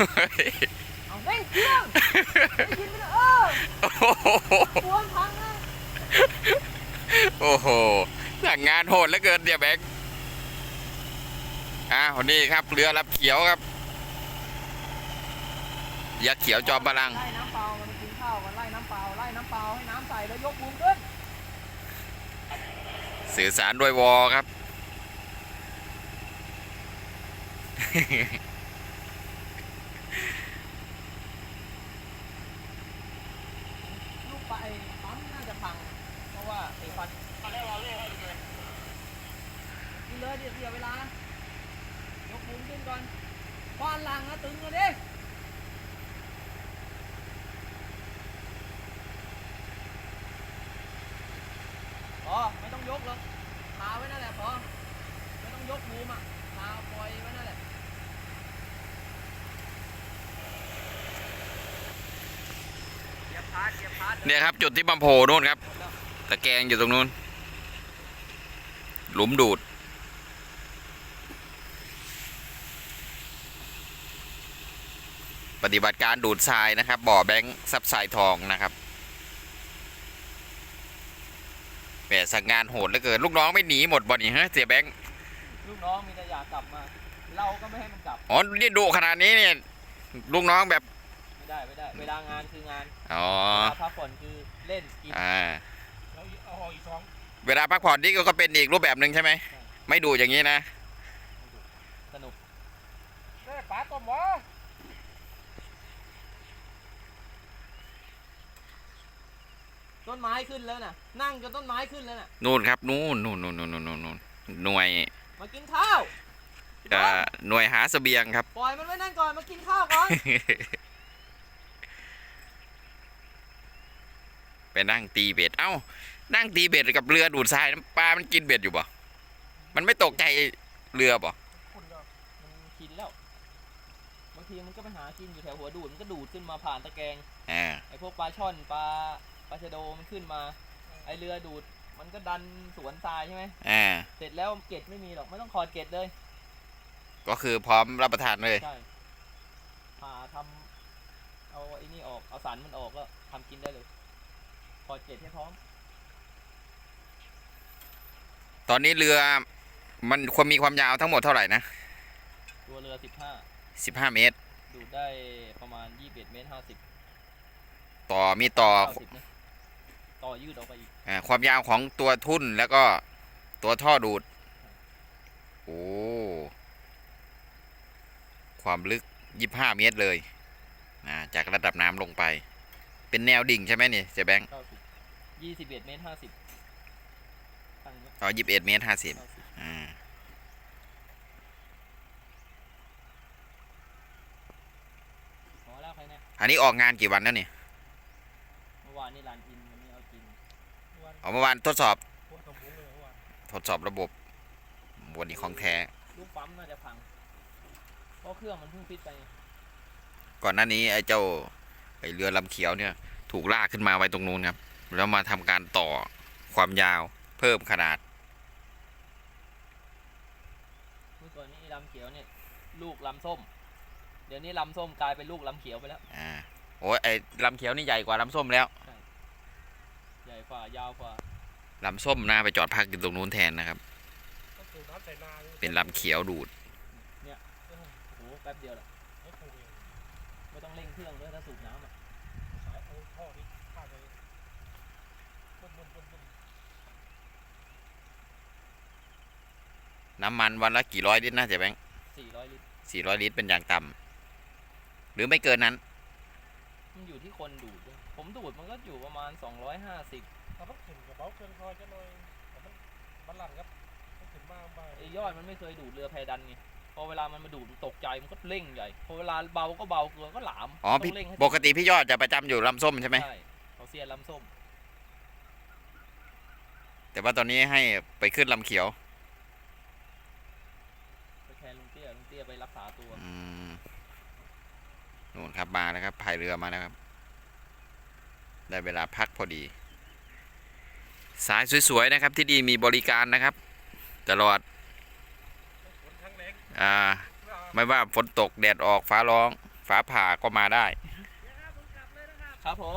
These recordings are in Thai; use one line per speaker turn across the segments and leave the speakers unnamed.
เอาเร่งเครื่องได้ยินไหมปวดพังนะ
โอ้โหสั่งงานโหดเหลือเกินเดี๋ยวแบงค์วันนี้ครับเรือรับเขียวครับยักษ์เขียวจอมพลัง
ไล่น้ำเปล่ามันกินข้าวกันไล่น้ำเปล่าไล่น้ำเปล่าให้น้ำใส่แล้วยกบูมขึ้น
สื่อสารด้วยวอครับ
ลูกไปปั๊มน่าจะพังเพราะว่าไอ้ฟันกินเลยเดี๋ยวเวลายกบูมขึ้นก่อนควานหลังนะตึงเลยดิพอไม่ต้องยกหรอกพาไว้นั่นแหละพอไม่ต้องยกบูมอ่ะพาปล่อยไว้นั่นแหละ
เนี่ยครับจุดที่บัมโผล่นู่นครับตะแกรงอยู่ตรงนู้นหลุมดูดปฏิบัติการดูดทรายนะครับบ่อแบงค์ซับทรายทองนะครับแหมสั่งงานโหดเหลือเกินลูกน้องไม่หนีหมดบ่นี่ฮะเสียแบงค์
ลูกน้องมีแต่อยากกลับมาเราก็ไม่ให้มันกลับ
อ๋อนี่ดุขนาดนี้เนี่ยลูกน้องแบบ
ไม่ได้เวลางานคืองาน
อ๋อ
พักผ่อนคือเล่นกิน
แล้วเอาอีก2เวลาพักผ่อนนี่ก็เป็นอีกรูปแบบหนึ่งใช่ไหมไม่ดูอย่างนี้นะ
สนุก
ได้ปลาตัวหมอ
ต้นไม้ขึ้นแล้วน่ะนั่งจนต้นไม้ขึ้นแล้วน่ะ
นู่นครับนู่นหน่วย
มากินข้าว
หน่วยหาเสบียงครับ
ปล่อยมันไว้นั่นก่อนมากินข้าวก่อน
ไปนั่งตีเบ็ดนั่งตีเบ็ดกับเรือดูดทรายปลามันกินเบ็ดอยู่บ่มันไม่ตกใจเรือบ่
มันกินแล้วบางทีมันก็ไปหากินอยู่แถวหัวดูดมันก็ดูดขึ้นมาผ่านตะแกรงไอ้พวกปลาช่อนปลาชะโดมันขึ้นมาไอ้เรือดูดมันก็ดันสวนทรายใช่ไหมเสร็จแล้วเกล็ดไม่มีหรอกไม่ต้องขอดเกล็ดเลย
ก็คือพร้อมรับประทานเลย
ใช่ผ่าทำเอาไอ้นี่ออกเอาสันมันออกแล้วทำกินได้เลยขอดเกล็ดให้พร้อม
ตอนนี้เรือมันควรมีความยาวทั้งหมดเท่าไหร่นะ
ตัวเรือ
15 เมตร
ดูดได้ประมาณ21 เมตร 50
มีต่อ
ยืดออกไปอีก
ความยาวของตัวทุ่นแล้วก็ตัวท่อดูดโอ้ความลึก25 เมตรเลยจากระดับน้ำลงไปเป็นแนวดิ่งใช่ไหมนี่เจ๊แบงค์
21 เมตร 50
21 เมตร 50อันนี้ออกงานกี่วันแล้วนี่
เมื่อวานนี่ลานอินวันนี้เอาจริง
เมื่อวานทดสอบระบบวันนี้ของแท้
ลูกปั๊มน่าจะพังเพราะเครื่องมันเพิ่งฟิตไป
ก่อนหน้านี้ไอ้เจ้าเรือลำเขียวเนี่ยถูกลากขึ้นมาไว้ตรงนู้นครับแล้วมาทำการต่อความยาวเพิ่มขนาด
เมื่อก่อนนี้ลำเขียวเนี่ยลูกลำส้มเดี๋ยวนี้ลำส้มกลายเป็นลูกลำเขียวไปแล้ว
โอ้ยไอ้ลำเขียวนี่ใหญ่กว่าลำส้มแล้ว
ใหญ่กว่ายาวกว่า
ลำส้มน่าไปจอดพักอยู่ตรงนู้นแทนนะครับเป็นลำเขียวดูด
เนี่ยโอ้โหแป๊บเดียวแหละไม่ต้องเร่งเครื่องด้วยถ้าสูบน้ำ
น้ำมันวันละกี่ร้อยลิตรนะเจ๊แบงค์
400 ลิตร
400 ลิตรเป็นอย่างต่ำหรือไม่เกินนั้น
มันอยู่ที่คนดูดผมดูดมันก็อยู่ประมาณ250
ถ้าพักขึ้นกับเบาเกินคอยจะหน่อยแต่มันหลั่นครับขึ้นมากไป
ไอ้ยอดมันไม่เคยดูดเรือแพดันไงพอเวลามันมาดูดตกใจมันก็เร่งใหญ่พอเวลาเบาก็เบาเกินก็หลาม
ปกติพี่ยอดจะประจำอยู่ลำส้มใช่ไหม
ใช่เขาเซียนลำส้ม
แต่ว่าตอนนี้ให้ไปขึ้นลำเขียว
ไปแทนลุงเตี้ยไปรักษาตัว
นู่นครับมาแล้วครับพายเรือมาแล้วครับได้เวลาพักพอดีสายสวยๆนะครับที่ดีมีบริการนะครับตลอดไม่ว่าฝนตกแดดออกฟ้าร้องฝฟ้าผ่าก็มาได้
ครับผม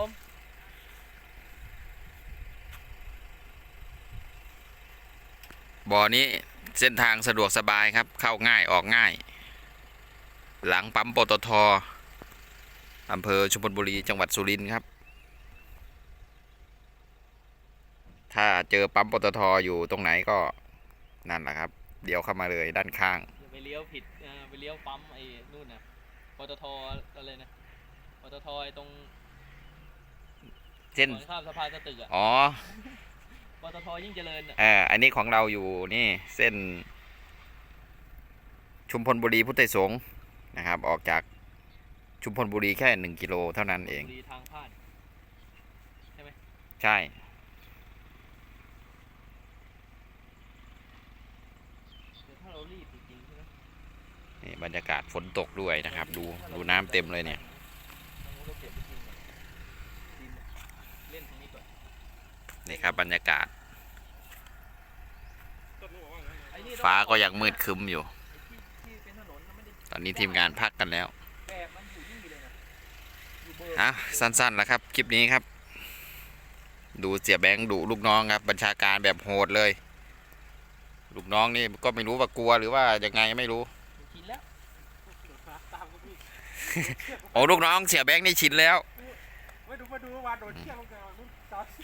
บ่อนี้เส้นทางสะดวกสบายครับ เข้าง่ายออกง่าย หลังปั๊มปตท.อำเภอชุมพลบุรีจังหวัดสุรินทร์ครับ ถ้าเจอปั๊มปตท.อยู่ตรงไหนก็นั่นแหละครับ เดี๋ยวเข้ามาเลยด้านข้าง
อย่าไปเลี้ยวผิดไปเลี้ยวปั๊มไอ้นู่นนะปตทอะไรนะปตทไอ้ตรง
เส้น
ก่อนข้ามสะพานสตึกอ่ะ
อ๋อ
ปตทยิ่งเจริญอ่ะ
อันนี้ของเราอยู่นี่เส้น ชุมพลบุรีพุทธไทยสงฆ์นะครับ ออกจากชุมพลบุรีแค่1 กิโลเท่านั้นเอง
ดีทางพลาดใช่ไหม
ใช่
เดี๋ยวถ้าเรารีบจริงๆใช่ไหม
นี่บรรยากาศฝนตกด้วยนะครับ ดูน้ำเต็มเลยเนี่ย
เราเก็บไปกินก่อนดินอะเล่นตรงนี้ก่อน
นี่ครับบรรยากาศ
ต้นนู้นบอกว่าไง
ไอ้นี่
ฟ้าก็ยังมืดครึ้มอยู่
ที่เป็นถนนนะไม่ได้
ตอนนี้ทีมงานพักกันแล้ว
แบบมันอยู่นี่เลยนะอยู่เบอร์
อ่ะสั้นๆแล้วครับ คลิปนี้ครับ ดูเสียแบงค์ดุลูกน้องครับ บัญชาการแบบโหดเลย ลูกน้องนี่ก็ไม่รู้ว่ากลัวหรือว่ายังไงไม่รู้
กินแล้ว
ตามก็พี่
โอ้ลูกน้องเสียแบงค์นี่ชินแล้ว
ไม่ดูวานโดดเชือกลงไปนู่นตาย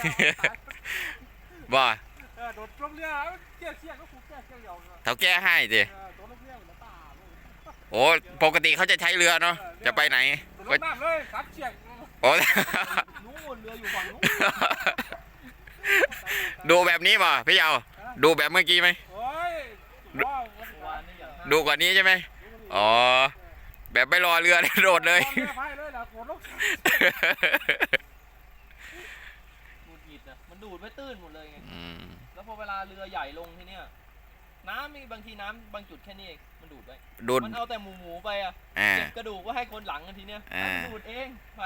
บ่
โดดลงเรือเชือกก็ผูกเชือกยาว
เท่าแก้ให้สิ
โดดลงเรือแล้วตา
โอ้ปกติเขาจะใช้เรือเนาะจะไปไหน
โดดลงน้ำเลยซัดเชือก
โอ้
นู่นเรืออยู่ฝั่งนู้น
ดูแบบนี้ป่ะพี่เยาดูแบบเมื่อกี้ไหม
โอ้ยว้าว
วานนี่อย่าง
ดูกว่านี้ใช่ไหมอ๋อแบบไม่รอเรือโดดเลย
เรือพายเลยล่ะโดดลง
ดูดหงิดนะมันดูดไม่ตื้นหมดเลยไง
อืม
แล้วพอเวลาเรือใหญ่ลงทีเนี้ยน้ำมีบางทีน้ำบางจุดแค่นี้เองมันดูดไป
ดูด
มันเอาแต่หมูไปอ่ะ
อ่า
เก็บกระดูกว่าให้คนหลังกันทีเนี้ย
อ่า
มันดูดเองไป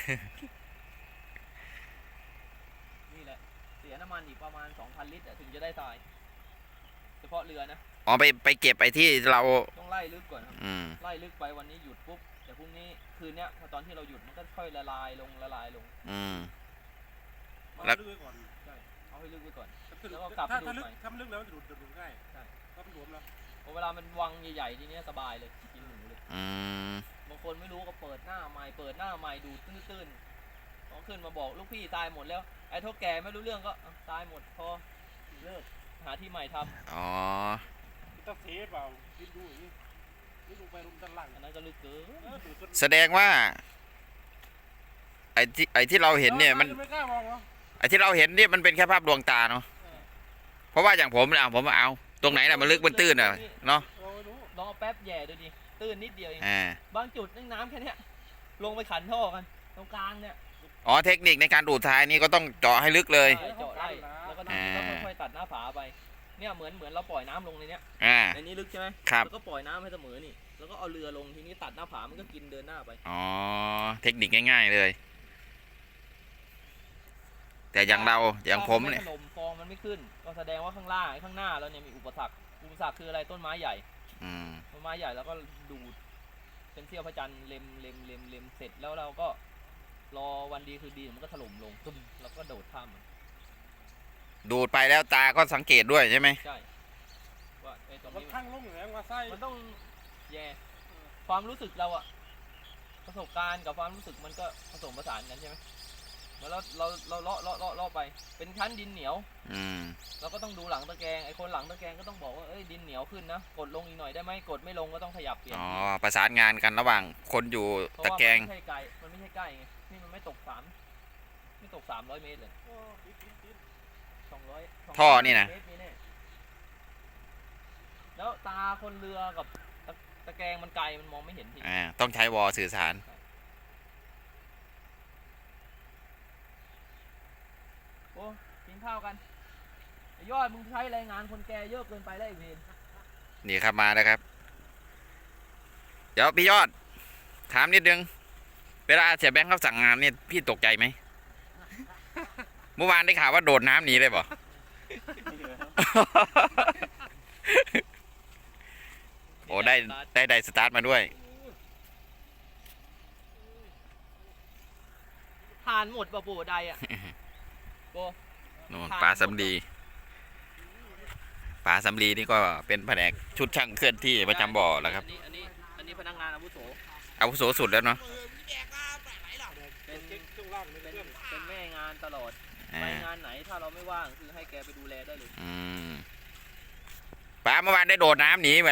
นี่แหละเสียน้ำมันอีกประมาณ 2,000 ลิตรอะถึงจะได้ทรายเฉพาะเรือนะ
อ๋อไปเก็บไอ้ที่เรา
ต้องไล่ลึกก่อนครับ
อืม
ไล่ลึกไปวันนี้หยุดปุ๊บแต่พรุ่งนี้คืนเนี้ยพอตอนที่เราหยุดมันก็ค่อยละลายลง
อืม
แล้วลึกก่อน
ใช่เอาให้ลึกไว้ก่อน
ถ้าลึกถ้ามันลึกแล้วมันจะดูดง่ายใช่ถ้ามันหลวมแล้ว
พอเวลามันวังใหญ่ๆทีเนี้ยสบายเลยกินหมูเลย
อืม
บางคนไม่รู้ก็เปิดหน้าใหม่ดูตื้นๆพอขึ้นมาบอกลูกพี่ตายหมดแล้วไอ้เท่าแก่ไม่รู้เรื่องก็อ่ะตายหมดพอเลิกหาที่ใหม่ทำ
อ๋อ
ต้องเทสเปล่าคิดดูอย่างนี้นี่ลงไปลงด้านล่าง
อันนั้นก็ลึกเกิน
ดูด
แสดงว่า ไอ้ที่เราเห็นเนี่ยมัน
ไม่กล้ามองเหรอ
ไอ้ที่เราเห็นเนี่ยมันเป็นแค่ภาพดวงตาเนาะเพราะว่าอย่างผมเนี่ยผมเอาตรงไหนน่ะมันลึกมันตื้นอ่ะเนาะ
เราไม่รู้
ลองเอาแป๊บแย่ดูดิตื้นนิดเดียวเอง
อ่า
บางจุดนี่น้ำแค่เนี้ยลงไปขันท่อกันตรงกลางเนี่ย
อ๋อเทคนิคในการดูดทรายนี่ก็ต้องเจาะให้ลึกเลย
ใช่เจาะไล่แล้วก็
อ่า
ค่อยๆตัดหน้าผาไปเนี่ยเหมือนเราปล่อยน้ำลงในเนี้ย
อ่า
ในนี้ลึกใช่ไหม
ครับ
แล้วก็ปล่อยน้ำให้เสมอนี่แล้วก็เอาเรือลงทีนี้ตัดหน้าผามันก็กินเดินหน้าไป
อ๋อเทคนิคง่ายๆเลย แต่อย่างเราอย่างผมเนี่ย
ถ้าไถล่มฟองมันไม่ขึ้น ก็แสดงว่าข้างล่างข้างหน้าเราเนี่ยมีอุปสรรคคืออะไรต้นไม้ใหญ่
อืม
ต้นไม้ใหญ่แล้วก็ดูดเป็นเสี้ยวพระจันทร์เล็มเสร็จแล้วเราก็รอวันดีคือดีมันก็ถล่มลงตุ้มแล้วก็โดดข้ามมัน
ดูดไปแล้วตาก็สังเกตด้วยใช่ไหม
ใช่ว่าไอ้ตรง
มัน
นี้
ข้างลงอย่างไรว่าไส้
มันต้องแย่ความรู้สึกเราอะประสบการณ์กับความรู้สึกมันก็ผสมผสานกันใช่ไหมเมื่อเราเลาะไปเป็นชั้นดินเหนียว
อืม
เราก็ต้องดูหลังตะแกรงไอ้คนหลังตะแกรงก็ต้องบอกว่าเอ้ยดินเหนียวขึ้นนะกดลงอีกหน่อยได้ไหมกดไม่ลงก็ต้องขยับเปลี่ยน
อ๋อประสานงานกันระหว่างคนอยู่
เพราะ
ตะ
ว่า
แกรง
มันไม่ใช่ไกลไงนี่มันไม่ตก300 เมตรเลย200
ท่อนี่นะ
เมตรแน่แล้วตาคนเรือกับตะแกรงมันไกลมันมองไม่เห็นที
ต้องใช้วอลสื่อสาร
โอ้กินข้าวกันไอ้ยอดมึงใช้แรงงานคนแก่เยอะเกินไปแล้วไอ้เวร
นี่ครับมาแล้วครับ เดี๋ยวพี่ยอด ถามนิดนึง เวลาเสียแบงค์เขาสั่งงานเนี่ยพี่ตกใจไหม เมื่อวานได้ข่าวว่าโดดน้ำหนีเลยเปล่า โอ้ได้สตาร์ทมาด้วย
ทานหมดป่ะโบใดอ่ะโบ
โน่นปลาสำลีปลาสำลีนี่ก็เป็นแผนกชุดช่างเคลื่อนที่ประจำบ่อแล้วครับ
อันนี้พนักงานอาวุโส
อาวุโสสุดแล้วเนาะ
เป็นแม่งานตลอดไปงานไหนถ้าเราไม่ว่างคือให้แกไปดูแลได้เลย
ปลาเมื่อวานได้โดดน้ำหนีเหมือน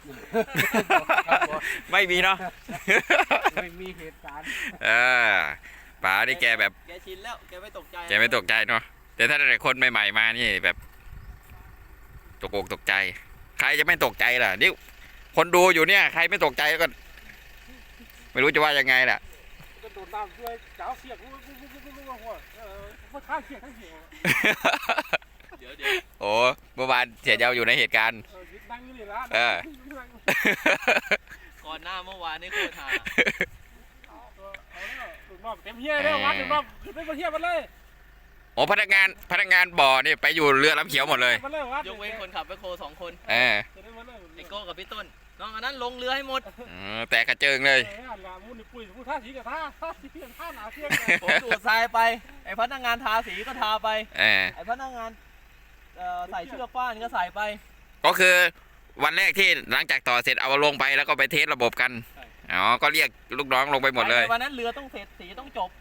ไม่มีเนาะ
ไม่มีเหตุการณ์
ปลาที่แกแบบ
แกชินแล้วแกไม่ตกใจ
แกไม่ตกใจเนาะแต่ถ้าแต่คนใหม่ๆมานี่แบบตกอกตกใจ ใครจะไม่ตกใจล่ะนี่คนดูอยู่เนี่ยใครไม่ตกใจก็ ไม่รู้จะว่ายังไงล่ะ
ก็โดนน้ำด้วยเจ้าเสียกหัวมาฆ่าเสียกทั้งเสียง
เดี๋ยว
โอ้เมื่อวานเสียเจ้าอยู่ในเหตุการณ์
ยึดนั่งอยู่นี่ละ
ก่อนหน้าเมื่อวานนี่โคตรหา
ลูกน้องเต็มเฮียเลยวัดลูกน้องขึ้นไปเฮียมันเลย
โอ้พนักงานบ่อนี่ไปอยู่เรือลำเขียวหมดเลย
ยกเว้นคนขับแมคโคร2 คน
ไ
อ้โก้กับพี่ต้นน้องอันนั้นลงเรือให้หมด
แต่กระเจิงเลย
มุนปุ๋ยมุนท่าสีกับท่าสีกับท่าหนาเสียง
ผมดูดทรายไปไอ้พนักงานทาสีก็ทาไปไอ้พนักงานใส่เชือกฟ้านก็ใส่ไป
ก็คือวันแรกที่หลังจากต่อเสร็จเอาลงไปแล้วก็ไปเทสระบบกันอ๋อก็เรียกลูกน้องลงไปหมดเลย
วันนั้นเรือต้องเสร็จสีต้องจบ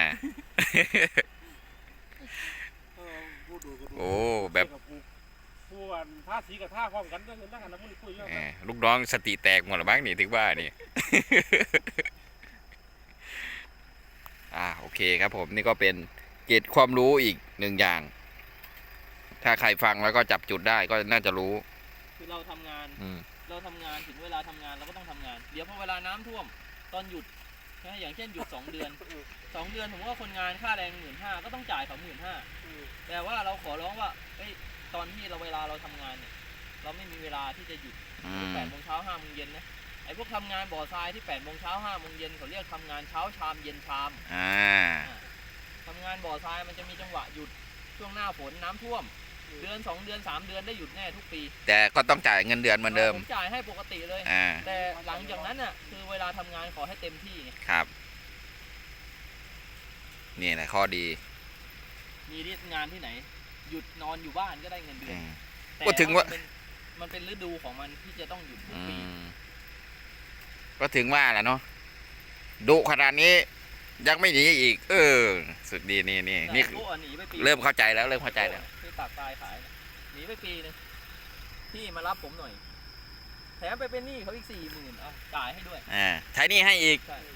โอ้แบบ
ผู้ท่าสีกับท่าพร้อมกันนั่งกันน้ำมุนปุ๋ย
ลูกน้องสติแตกหมดหรือบ้างนี่ถึงว่านี่ โอเคครับผมนี่ก็เป็นเกร็ดความรู้อีกหนึ่งอย่าง ถ้าใครฟังแล้วก็จับจุดได้ก็น่าจะรู้
คือเราทำงานถึงเวลาทำงานเราก็ต้องทำงานเดี๋ยวพอเวลาน้ำท่วมตอนหยุดนะอย่างเช่นหยุด2 เดือน2 เดือนผมว่าคนงานค่าแรง15,000ก็ต้องจ่ายเขา15,000แต่ว่าเราขอร้องว่าตอนที่เวลาเราทำงานเนี่ยเราไม่มีเวลาที่จะหยุด8 โมงเช้า5 โมงเย็นนะไอ้พวกทำงานบ่อทรายที่8 โมงเช้า5 โมงเย็นเขาเรียกทำงานเช้าชามเย็นชามทำงานบ่อทรายมันจะมีจังหวะหยุดช่วงหน้าฝนน้ำท่วมเดือน2 เดือน3 เดือนได้หยุดแน่ทุกปี
แต่ก็ต้องจ่ายเงินเดือนเหมือนเดิม
ผมจ่ายให้ปกติเลยแต่หลังจากนั้นน่ะคือเวลาทำงานขอให้เต็มที่ไง
ครับนี่แหละข้อดี
มีงานที่ไหนหยุดนอนอยู่บ้านก็ได้เงินเดือนแต่
ก็ถึงว่า
มันเป็นฤดูของมันที่จะต้องหยุดทุกปี
ก็ถึงว่าแหละเนาะดุขนาดนี้ยังไม่หนีอีกสุดดีนี่เริ่มเข้าใจแล้ว
ที่ตากตายขายหนีไปปีนึงพี่มารับผมหน่อยแถมไปเป็นหนี้เขาอีก40,000เอาจ่ายให้ด้วย
ใช้หนี้ให้อีก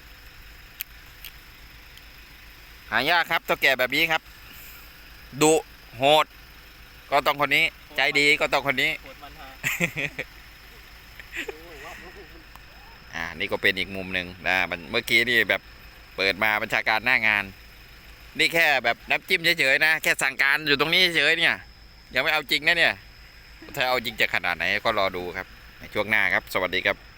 หายากครับตัวแก่แบบนี้ครับดุโหดก็ต้องคนนี้ใจดีก็ต้องคนนี้
โหดมัน
ฮะนี่ก็เป็นอีกมุมหนึ่งนะเมื่อกี้นี่แบบเปิดมาบัญชาการหน้างานนี่แค่แบบน้ำจิ้มเฉยๆนะแค่สั่งการอยู่ตรงนี้เฉยๆเนี่ยยังไม่เอาจริงนะเนี่ยถ้าเอาจริงจะขนาดไหนก็รอดูครับในช่วงหน้าครับสวัสดีครับ